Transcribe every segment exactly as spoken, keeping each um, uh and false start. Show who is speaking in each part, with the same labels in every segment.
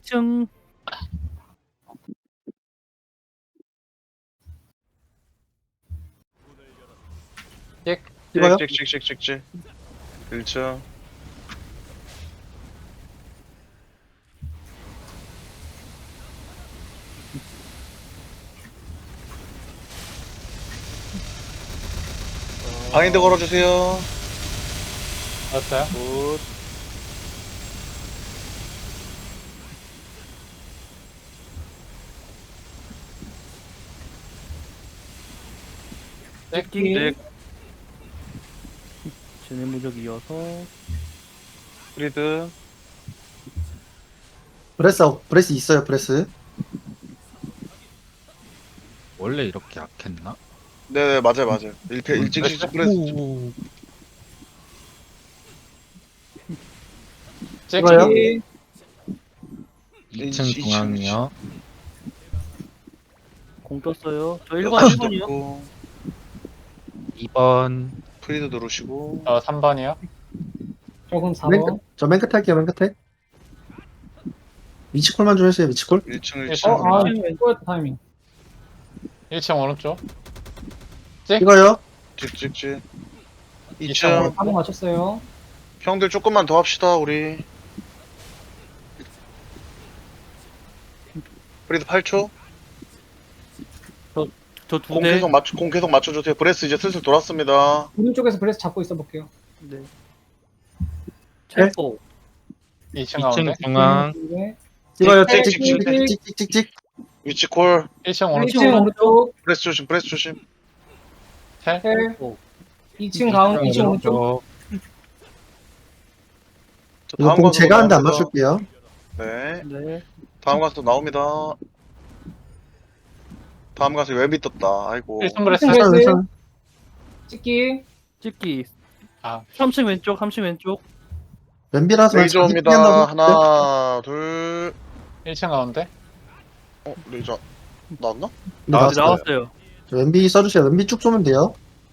Speaker 1: 층.
Speaker 2: 찍어요?
Speaker 3: 찍찍찍찍찍찍 일 층 바인드 걸어주세요.
Speaker 4: 알았어요?
Speaker 3: 굿.
Speaker 1: 찍기.
Speaker 3: 찍.
Speaker 1: 쟤네 무적 이어서.
Speaker 3: 프리드.
Speaker 2: 브레스, 브레스 있어요, 브레스.
Speaker 5: 원래 이렇게 약했나?
Speaker 3: 네네 맞아요 맞아요. 일패 일찍 프레스.
Speaker 1: 오.
Speaker 2: 찍어요?
Speaker 4: 찍기.
Speaker 5: 이 층
Speaker 3: 이 층,
Speaker 5: 중앙이요.
Speaker 1: 공 떴어요. 저 일 번, 일 번이요.
Speaker 3: 고
Speaker 5: 이 번.
Speaker 3: 프리드 누르시고.
Speaker 4: 저 삼 번이요.
Speaker 6: 조금 사
Speaker 2: 맨
Speaker 6: 번.
Speaker 2: 끝, 저 맨 끝에 할게요, 맨 끝에. 위치콜만 좀 해주세요, 위치콜.
Speaker 3: 일 층
Speaker 4: 일
Speaker 3: 일
Speaker 4: 층.
Speaker 3: 층.
Speaker 6: 어, 아, 꼬였다, 타이밍.
Speaker 4: 일 층 오른쪽.
Speaker 2: 찍어요?
Speaker 3: 찍찍찍.
Speaker 4: 이
Speaker 3: 이
Speaker 4: 층.
Speaker 3: 층.
Speaker 6: 사 번 맞췄어요.
Speaker 3: 형들 조금만 더 합시다 우리. 프리드 팔 초.
Speaker 1: 저 두
Speaker 3: 공
Speaker 1: 대.
Speaker 3: 계속 맞춰 공 계속 맞춰주세요. 브레스 이제 슬슬 돌았습니다.
Speaker 6: 오른쪽에서 브레스 잡고 있어 볼게요.
Speaker 1: 네. 첼포.
Speaker 4: 이 층
Speaker 5: 이 층
Speaker 4: 가운데.
Speaker 5: 중앙.
Speaker 6: 네.
Speaker 2: 찍어요,
Speaker 3: 찍,
Speaker 2: 찍,
Speaker 3: 찍,
Speaker 2: 찍,
Speaker 3: 찍,
Speaker 2: 찍, 찍, 찍, 찍.
Speaker 3: 위치 콜.
Speaker 4: 일 층
Speaker 6: 일
Speaker 4: 오른쪽.
Speaker 6: 층 오른쪽.
Speaker 3: 브레스 조심 브레스 조심.
Speaker 4: 텔.
Speaker 6: 텔.
Speaker 1: 오.
Speaker 6: 이 층 가운데, 이 층 오른쪽.
Speaker 3: 저
Speaker 2: 이거 공
Speaker 3: 가수도
Speaker 2: 제가 하는데 안
Speaker 3: 나옵니다.
Speaker 2: 맞출게요.
Speaker 3: 네.
Speaker 1: 네.
Speaker 3: 다음 가수 나옵니다. 다음 가수 웹이 떴다. 아이고.
Speaker 4: 일 층 브레스.
Speaker 6: 일 층
Speaker 2: 괜찮아,
Speaker 6: 브레스.
Speaker 2: 괜찮아.
Speaker 6: 찍기.
Speaker 1: 찍기.
Speaker 4: 아,
Speaker 1: 삼 층 왼쪽, 삼 층 왼쪽.
Speaker 2: 왼비라서
Speaker 3: 레이저
Speaker 2: 자기
Speaker 3: 옵니다.
Speaker 2: 피한다고
Speaker 3: 하나, 둘.
Speaker 4: 일 층 가운데.
Speaker 3: 어, 레이저 나왔나?
Speaker 2: 네,
Speaker 1: 아,
Speaker 2: 나왔어요.
Speaker 1: 나왔어요.
Speaker 2: 저 왼비 써주세요. 왼비 쭉 쏘면 돼요.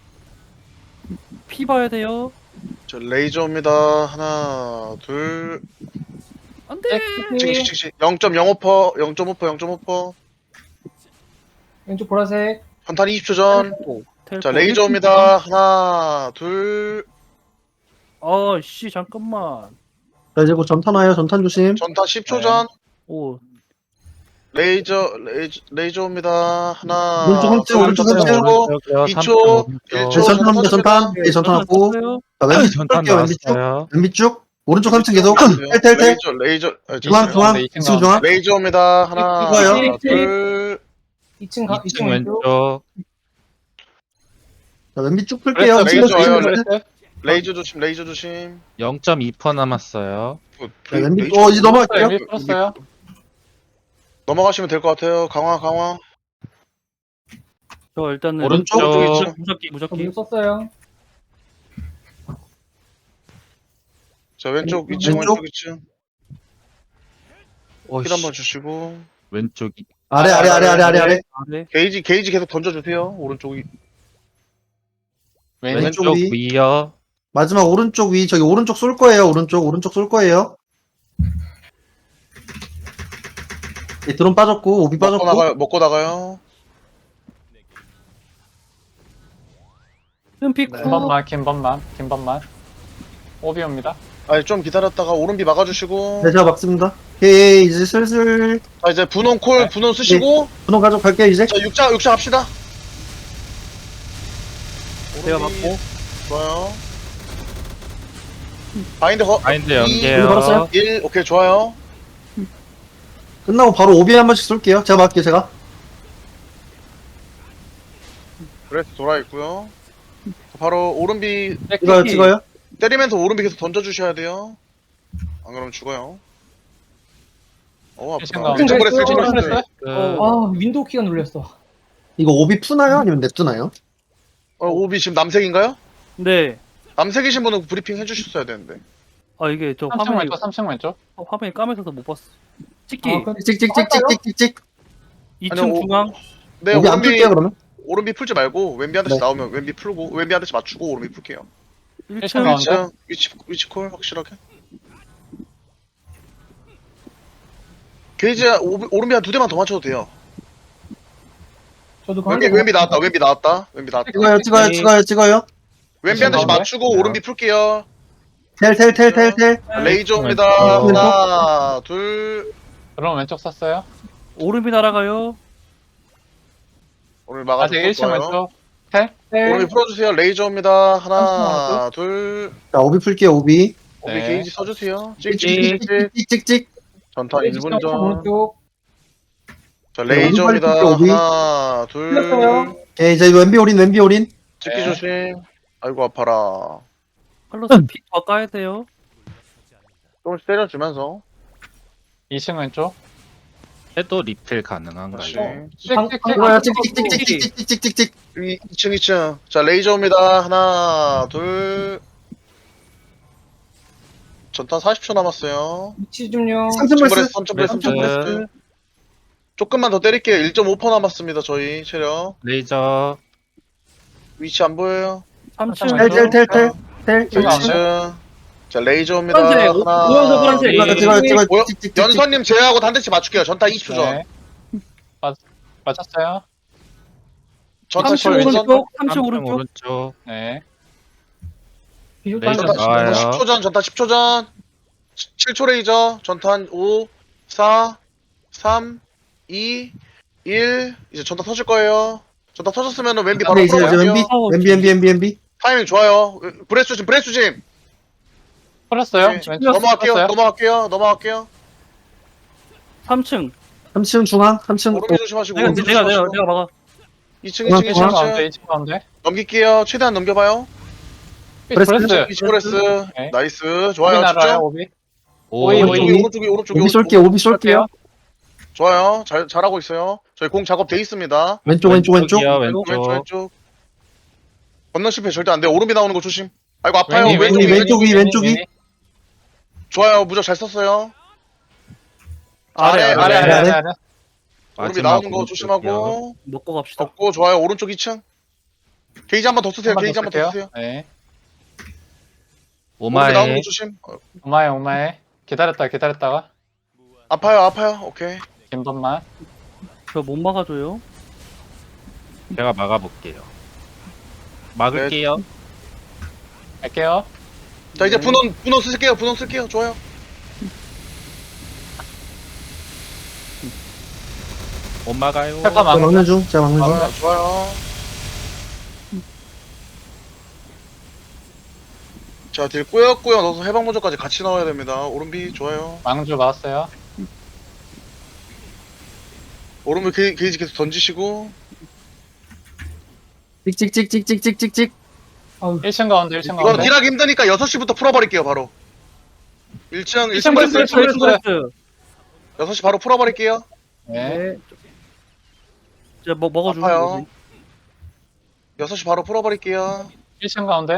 Speaker 1: 피 봐야 돼요.
Speaker 3: 저 레이저 옵니다. 하나, 둘.
Speaker 1: 안 돼.
Speaker 3: 찍찍 찍찍. 영 점 영오 퍼, 영 점 오 퍼, 영 점 오 퍼.
Speaker 6: 왼쪽 보라색.
Speaker 3: 한탄 이십 초 전.
Speaker 1: 텔포. 텔포.
Speaker 3: 자, 레이저 옵니다. 하나, 둘.
Speaker 1: 아, 씨, 잠깐만.
Speaker 2: 자, 이제 곧 전탄 와요. 전탄 조심.
Speaker 3: 전탄 십 초
Speaker 4: 네.
Speaker 3: 전.
Speaker 1: 오.
Speaker 3: 레이저, 레이저, 레이저 옵니다. 하나.
Speaker 2: 오른쪽 한 층, 오른쪽 한 층.
Speaker 5: 오른쪽이요.
Speaker 3: 이
Speaker 5: 삼
Speaker 3: 초,
Speaker 5: 층
Speaker 3: 일
Speaker 5: 오른쪽.
Speaker 3: 초.
Speaker 2: 네, 전탄 합니다, 전탄. 네, 전탄 왔고.
Speaker 1: 떴어요.
Speaker 2: 자, 왼비 쭉
Speaker 5: 전탄
Speaker 2: 뺄게요, 왼비 쭉.
Speaker 5: 나왔어요.
Speaker 2: 왼비 쭉. 오른쪽 삼 층 계속. 텔, 텔, 텔.
Speaker 3: 레이저, 레이저. 아,
Speaker 2: 중앙,
Speaker 3: 잠시만요.
Speaker 2: 중앙.
Speaker 4: 이 층
Speaker 2: 이 층 중앙.
Speaker 3: 레이저 옵니다. 하나,
Speaker 2: 찍어요.
Speaker 3: 둘.
Speaker 6: 이 층 가,
Speaker 5: 이
Speaker 6: 이 층
Speaker 5: 층
Speaker 6: 왼쪽.
Speaker 5: 왼쪽.
Speaker 2: 자, 왼비 쭉 풀게요.
Speaker 4: 브레스.
Speaker 3: 레이저
Speaker 2: 왼쪽
Speaker 3: 와요,
Speaker 2: 조심.
Speaker 4: 브레스.
Speaker 3: 레이저 조심, 레이저 조심.
Speaker 5: 영 점 이 퍼센트 남았어요.
Speaker 3: 뭐,
Speaker 2: 자, 왼비,
Speaker 3: 레이저
Speaker 2: 어, 이제 넘어갈게요.
Speaker 4: 왼비 풀었어요.
Speaker 3: 넘어가시면 될 것 같아요. 강화, 강화.
Speaker 1: 저 일단은
Speaker 5: 오른쪽.
Speaker 1: 무적, 무적기,
Speaker 6: 저
Speaker 1: 무적기.
Speaker 6: 물 썼어요.
Speaker 3: 자, 왼쪽 이 층,
Speaker 2: 왼쪽?
Speaker 3: 왼쪽 이 층.
Speaker 5: 오씨.
Speaker 3: 힐 한번 주시고.
Speaker 5: 왼쪽이.
Speaker 2: 아래, 아래, 아래, 아래, 아래, 아래.
Speaker 1: 아래.
Speaker 3: 게이지, 게이지 계속 던져주세요. 오른쪽이.
Speaker 4: 왼.
Speaker 2: 왼쪽
Speaker 5: 왼쪽
Speaker 2: 위.
Speaker 5: 위요.
Speaker 2: 마지막 오른쪽 위. 저기 오른쪽 쏠 거예요. 오른쪽, 오른쪽 쏠 거예요. 네, 드론 빠졌고, 오비
Speaker 3: 먹고
Speaker 2: 빠졌고.
Speaker 3: 나가요, 먹고 나가요.
Speaker 1: 흠피
Speaker 3: 네.
Speaker 1: 쿠.
Speaker 4: 김번만, 김번만, 김번만. 오비옵니다.
Speaker 3: 아니, 좀 기다렸다가 오른비 막아주시고.
Speaker 2: 네, 제가 막습니다. 오케이, 이제 슬슬
Speaker 3: 자, 이제 분홍 콜,
Speaker 4: 네.
Speaker 3: 분홍 쓰시고.
Speaker 2: 분홍 가져갈게요, 이제.
Speaker 3: 자, 육자, 육자 합시다.
Speaker 1: 내가
Speaker 3: 오른비.
Speaker 1: 맞고.
Speaker 3: 좋아요. 바인드 거.
Speaker 5: 마인드
Speaker 3: 이,
Speaker 5: 연계요.
Speaker 2: 걸었어요?
Speaker 3: 일, 오케이, 좋아요.
Speaker 2: 끝나고 바로 오비 한 번씩 쏠게요. 제가 막게요, 제가.
Speaker 3: 브레스 돌아있고요. 바로 오른비
Speaker 2: 찍어요, 찍어요.
Speaker 3: 때리면서 오른비 계속 던져주셔야 돼요. 안 그러면 죽어요. 어,
Speaker 4: 일 층
Speaker 3: 아프다.
Speaker 4: 가운데.
Speaker 3: 왼쪽 브레스, 왼쪽
Speaker 4: 왼쪽
Speaker 3: 브레스.
Speaker 4: 브레스.
Speaker 5: 그,
Speaker 6: 아, 윈도우 키가 눌렸어.
Speaker 2: 이거 오비 푸나요? 아니면 냅두나요?
Speaker 3: 어, 오비 지금 남색인가요?
Speaker 1: 네.
Speaker 3: 남색이신 분은 브리핑 해주셨어야 되는데.
Speaker 1: 아, 이게 저
Speaker 4: 삼 층
Speaker 1: 화면이,
Speaker 4: 왼쪽, 삼 층 왼쪽.
Speaker 1: 어, 화면이 까매서서 못 봤어. 찍기.
Speaker 6: 아, 그럼
Speaker 2: 찍찍찍찍찍찍찍.
Speaker 1: 이
Speaker 3: 아니,
Speaker 1: 층
Speaker 3: 오-
Speaker 1: 중앙.
Speaker 3: 네,
Speaker 2: 오비 안
Speaker 3: 오른비,
Speaker 2: 풀게요, 그러면.
Speaker 3: 오른비 풀지 말고, 왼비 한 대씩
Speaker 2: 네.
Speaker 3: 나오면 왼비 풀고, 왼비 한 대씩 맞추고, 오른비 풀게요.
Speaker 1: 일
Speaker 4: 일
Speaker 1: 층.
Speaker 4: 층 가운데.
Speaker 3: 위치, 위치, 위치 콜, 확실하게. 게이지 오- 오른비 한 두 대만 더 맞춰도 돼요.
Speaker 6: 저도 그한
Speaker 3: 왼비,
Speaker 6: 대.
Speaker 3: 왼비 나왔다. 왼비 나왔다. 왼비 나왔다.
Speaker 2: 찍어요, 찍어요, 찍어요, 찍어요.
Speaker 3: 왼비 한 대씩
Speaker 4: 가운데?
Speaker 3: 맞추고 오른비 풀게요.
Speaker 2: 텔, 텔, 텔, 텔, 텔.
Speaker 3: 레이저입니다.
Speaker 2: 왼쪽.
Speaker 3: 하나, 둘.
Speaker 4: 그럼 왼쪽 썼어요.
Speaker 1: 오른비 날아가요.
Speaker 3: 오늘
Speaker 4: 아직
Speaker 3: 막아줄
Speaker 4: 일 층
Speaker 3: 거예요.
Speaker 4: 왼쪽. 텔.
Speaker 3: 오른비 풀어주세요. 레이저입니다. 하나,
Speaker 6: 잠시만요.
Speaker 3: 둘.
Speaker 2: 자, 오비 풀게요, 오비.
Speaker 3: 오비
Speaker 4: 네.
Speaker 3: 게이지 써주세요.
Speaker 2: 찍,
Speaker 3: 찍찍찍찍.
Speaker 2: 찍, 찍, 찍, 찍.
Speaker 3: 전탄 일 분 전.
Speaker 6: 오른쪽.
Speaker 3: 자,
Speaker 2: 네,
Speaker 3: 레이저입니다.
Speaker 2: 오른발 오비.
Speaker 3: 하나, 둘.
Speaker 6: 풀렸어요.
Speaker 2: 오케이, 이제 왼비 올인, 왼비 올인.
Speaker 3: 찍기
Speaker 4: 네.
Speaker 3: 조심. 아이고, 아파라.
Speaker 1: 칼로스 피더 까야 돼요.
Speaker 3: 조금씩 때려주면서.
Speaker 4: 이 층 왼쪽.
Speaker 5: 해도 리필 가능한가요?
Speaker 3: 다시.
Speaker 6: 방-
Speaker 4: 찍찍찍.
Speaker 2: 찍어요, 찍, 찍, 찍, 찍, 찍, 찍, 찍, 찍, 찍.
Speaker 3: 이 층, 이 층. 자, 레이저입니다. 하나, 둘. 전탄 사십 초 남았어요.
Speaker 6: 위치 좀요.
Speaker 2: 삼천
Speaker 3: 브레스,
Speaker 2: 벌스.
Speaker 3: 삼천 브레스, 삼천
Speaker 5: 브레스.
Speaker 3: 브레스. 조금만 더 때릴게요. 일 점 오 퍼센트 남았습니다, 저희 체력.
Speaker 5: 레이저
Speaker 3: 위치 안 보여요.
Speaker 1: 삼 층
Speaker 2: 텔, 텔, 텔, 텔. 텔.
Speaker 3: 자,
Speaker 4: 왼쪽.
Speaker 3: 이 층. 자, 레이저입니다.
Speaker 1: 파란색,
Speaker 3: 하나.
Speaker 1: 오른쪽 파란색.
Speaker 2: 찍어요, 찍어요, 찍어요.
Speaker 3: 뭐요?
Speaker 2: 찍, 찍, 찍, 찍.
Speaker 3: 연선님 제외하고 단대치 맞출게요. 전타 이십 초 전.
Speaker 4: 네. 맞 맞췄어요.
Speaker 3: 전타
Speaker 1: 삼
Speaker 3: 십
Speaker 1: 층
Speaker 3: 초 전.
Speaker 1: 오른쪽. 삼 층
Speaker 5: 삼 층
Speaker 1: 오른쪽.
Speaker 5: 오른쪽
Speaker 4: 네.
Speaker 6: 비숍
Speaker 5: 레이저
Speaker 6: 한 대.
Speaker 5: 나와요.
Speaker 3: 십 초 전, 전타 십 초 전. 칠 초 레이저. 전탄 오, 사, 삼, 이, 일. 이제 전타 터질 거예요. 전타 터졌으면 왼비 바로
Speaker 2: 네, 이제, 이제
Speaker 3: 풀어볼게요.
Speaker 2: 왼비. 왼비, 왼비, 왼비, 왼비.
Speaker 3: 타이밍 좋아요. 브레스 조심, 브레스 조심.
Speaker 4: 풀었어요.
Speaker 3: 네.
Speaker 4: 왼쪽
Speaker 3: 넘어갈게요,
Speaker 4: 풀었어요.
Speaker 3: 넘어갈게요, 넘어갈게요.
Speaker 1: 삼 층.
Speaker 2: 삼 층 중앙, 삼 층.
Speaker 3: 오른비 조심하시고.
Speaker 1: 내가
Speaker 3: 오른비
Speaker 1: 내가 내가
Speaker 3: 조심하시고.
Speaker 1: 내가 막아.
Speaker 3: 이 층, 이 층, 이
Speaker 4: 이
Speaker 3: 층,
Speaker 4: 층
Speaker 3: 이
Speaker 4: 가운데.
Speaker 3: 층.
Speaker 4: 이 층 가운데.
Speaker 3: 넘길게요. 최대한 넘겨봐요.
Speaker 2: 브레스.
Speaker 4: 브레스.
Speaker 3: 이십 브레스.
Speaker 4: 네.
Speaker 3: 나이스.
Speaker 4: 오비
Speaker 3: 좋아요.
Speaker 4: 날아요.
Speaker 3: 집중.
Speaker 4: 오비.
Speaker 5: 오
Speaker 4: 오이,
Speaker 3: 오른쪽이,
Speaker 4: 오이.
Speaker 3: 오른쪽이, 오른쪽이.
Speaker 2: 오비 쏠게요, 오비 쏠게요.
Speaker 3: 좋아요. 잘, 잘하고 있어요. 저희 공 작업 돼 있습니다.
Speaker 2: 왼쪽, 왼쪽, 왼쪽.
Speaker 5: 왼쪽이요,
Speaker 3: 왼쪽, 왼쪽,
Speaker 5: 왼쪽
Speaker 3: 왼쪽. 건너 실패 절대 안 돼. 오른비 나오는 거 조심. 아이고, 아파요.
Speaker 4: 왼이,
Speaker 3: 왼쪽,
Speaker 2: 왼이,
Speaker 3: 왼쪽.
Speaker 2: 왼쪽이, 왼쪽이.
Speaker 3: 좋아요. 무적 잘 썼어요.
Speaker 1: 아래
Speaker 3: 아래,
Speaker 1: 아래.
Speaker 4: 아래 아래 아래 아래.
Speaker 3: 오른비
Speaker 5: 마지막
Speaker 3: 나오는 거
Speaker 5: 오른쪽이요.
Speaker 3: 조심하고.
Speaker 1: 먹고 갑시다.
Speaker 3: 덮고, 좋아요. 오른쪽 이 층. 게이지 한 번 더 쓰세요.
Speaker 4: 한번
Speaker 3: 게이지 한 번 더 쓰세요.
Speaker 4: 네.
Speaker 3: 오른비 나오는
Speaker 5: 오마에
Speaker 3: 거 조심. 어,
Speaker 4: 오마에 오마에. 기다렸다 기다렸다가
Speaker 3: 아파요, 아파요. 오케이.
Speaker 4: 긴 번만.
Speaker 1: 저 못 막아줘요.
Speaker 5: 제가 막아볼게요. 막을게요.
Speaker 4: 갈게요.
Speaker 3: 자, 이제 분원, 분원 쓸게요. 분원 쓸게요. 좋아요.
Speaker 5: 못 막아요.
Speaker 4: 페파
Speaker 2: 제가
Speaker 4: 막.
Speaker 2: 막는 중, 제가 막는 중.
Speaker 3: 좋아요, 좋아요. 자, 딜 꾸역꾸역 넣어서 해방 모조까지 같이 넣어야 됩니다. 오른비 좋아요.
Speaker 4: 망주 막았어요.
Speaker 3: 오른비 게, 게이지 계속 던지시고.
Speaker 2: 찍, 찍, 찍, 찍, 찍, 찍, 찍.
Speaker 6: 아우,
Speaker 4: 일 층 가운데 일 층
Speaker 3: 이거는
Speaker 4: 가운데.
Speaker 3: 딜하기 힘드니까 여섯 시부터 풀어버릴게요, 바로. 일 층, 일 층
Speaker 4: 일 층
Speaker 3: 브레스, 일 층
Speaker 4: 브레스,
Speaker 3: 브레스.
Speaker 4: 브레스.
Speaker 1: 브레스.
Speaker 3: 여섯 시 바로 풀어버릴게요.
Speaker 4: 네.
Speaker 1: 이제 먹 먹어주는
Speaker 3: 아파요.
Speaker 1: 거지.
Speaker 3: 여섯 시 바로 풀어버릴게요.
Speaker 4: 일 층 가운데.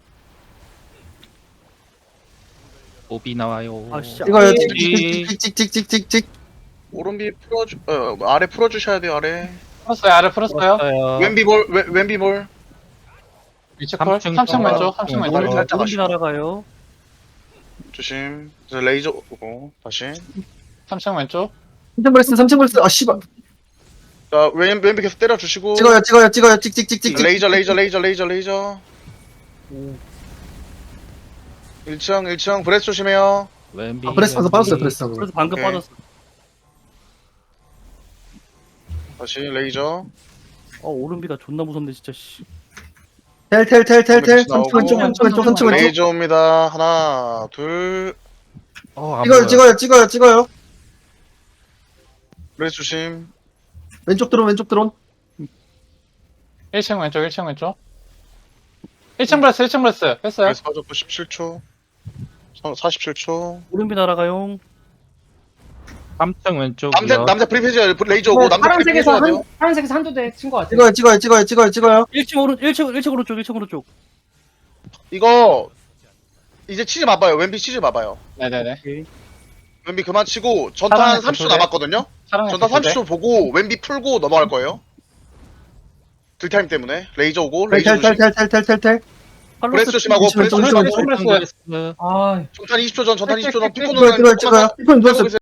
Speaker 5: 오비 나와요.
Speaker 1: 아 씨.
Speaker 2: 찍어요, 찍,
Speaker 5: 이-
Speaker 2: 찍, 찍, 찍, 찍, 찍, 찍.
Speaker 3: 오른비 풀어주, 어, 아래 풀어주셔야 돼요, 아래.
Speaker 4: 풀었어요. 아래 풀었어요.
Speaker 5: 풀었어요.
Speaker 3: 왼비 볼, 왼- 왼비 볼.
Speaker 4: 위치 콜.
Speaker 5: 삼 층
Speaker 4: 삼 층
Speaker 3: 가운데.
Speaker 4: 왼쪽. 삼 층
Speaker 5: 어,
Speaker 4: 왼쪽.
Speaker 3: 오른쪽. 살짝
Speaker 1: 오른비
Speaker 3: 아쉽다.
Speaker 1: 날아가요.
Speaker 3: 조심. 이제 레이저 오고, 다시.
Speaker 4: 삼 층 왼쪽.
Speaker 2: 삼 층 브레스, 삼 층 브레스. 아, 씨발.
Speaker 3: 자, 왼, 왼비 계속 때려주시고.
Speaker 2: 찍어요, 찍어요, 찍어요. 찍, 찍, 찍, 찍, 찍.
Speaker 3: 레이저, 레이저, 레이저, 레이저, 레이저. 일 층, 일 층, 브레스 조심해요.
Speaker 5: 왼비.
Speaker 2: 아, 브레스 방금
Speaker 5: 왼비.
Speaker 2: 빠졌어요, 브레스 방금.
Speaker 1: 그래서 방금
Speaker 3: 오케이.
Speaker 1: 빠졌어.
Speaker 3: 다시 레이저.
Speaker 1: 어 오른비가 존나 무섭네 진짜. 씨.
Speaker 2: 텔, 텔, 텔, 텔, 텔.
Speaker 3: 나오고.
Speaker 2: 삼 층 왼쪽, 삼 층 왼쪽, 삼 층 왼쪽.
Speaker 3: 레이저 옵니다. 하나, 둘.
Speaker 5: 어, 안
Speaker 2: 찍어요,
Speaker 5: 보여요.
Speaker 2: 찍어요, 찍어요, 찍어요.
Speaker 3: 브레스 조심.
Speaker 2: 왼쪽 드론, 왼쪽 드론.
Speaker 4: 일 층 왼쪽. 일 층 왼쪽. 일 층 브레스. 일 층 브레스. 했어요.
Speaker 3: 브레스 빠졌고 십칠 초. 사십칠 초.
Speaker 1: 오른비 날아가요.
Speaker 5: 삼 층 왼쪽이요.
Speaker 3: 남자, 남자 프리페이지 레이저 오고, 남자 프리페이지
Speaker 6: 파란색에서
Speaker 3: 해줘야 돼요.
Speaker 6: 한 파란색에서 한두 대 친 것 같아요.
Speaker 2: 찍어요, 찍어요, 찍어요, 찍어요, 찍어요.
Speaker 1: 일 층 오른 일 층 일 층 오른쪽 일 층 오른쪽.
Speaker 3: 이거, 이제 치즈 봐봐요. 왼비 치즈 봐봐요.
Speaker 4: 네네네.
Speaker 1: 오케이.
Speaker 3: 왼비 그만 치고, 전탄
Speaker 4: 사랑의
Speaker 3: 삼십 초
Speaker 4: 전투대.
Speaker 3: 남았거든요?
Speaker 4: 사랑의
Speaker 3: 전탄
Speaker 4: 전투대.
Speaker 3: 삼십 초 보고, 왼비 풀고 넘어갈 거예요. 딜타임 때문에. 레이저 오고,
Speaker 2: 텔,
Speaker 3: 레이저
Speaker 2: 텔, 텔,
Speaker 3: 조심.
Speaker 2: 텔, 텔, 텔, 텔.
Speaker 3: 브레스 조심하고,
Speaker 2: 조심,
Speaker 3: 브레스
Speaker 2: 조심,
Speaker 3: 조심하고.
Speaker 2: 조심.
Speaker 4: 브레스.
Speaker 1: 네.
Speaker 6: 아,
Speaker 3: 전탄 이십 초 전, 전탄 이십 초 전.
Speaker 4: 찍, 찍, 찍,
Speaker 3: 피코는
Speaker 2: 찍어요, 찍어요, 찍어요. 피콘
Speaker 3: 하고
Speaker 2: 들었어요.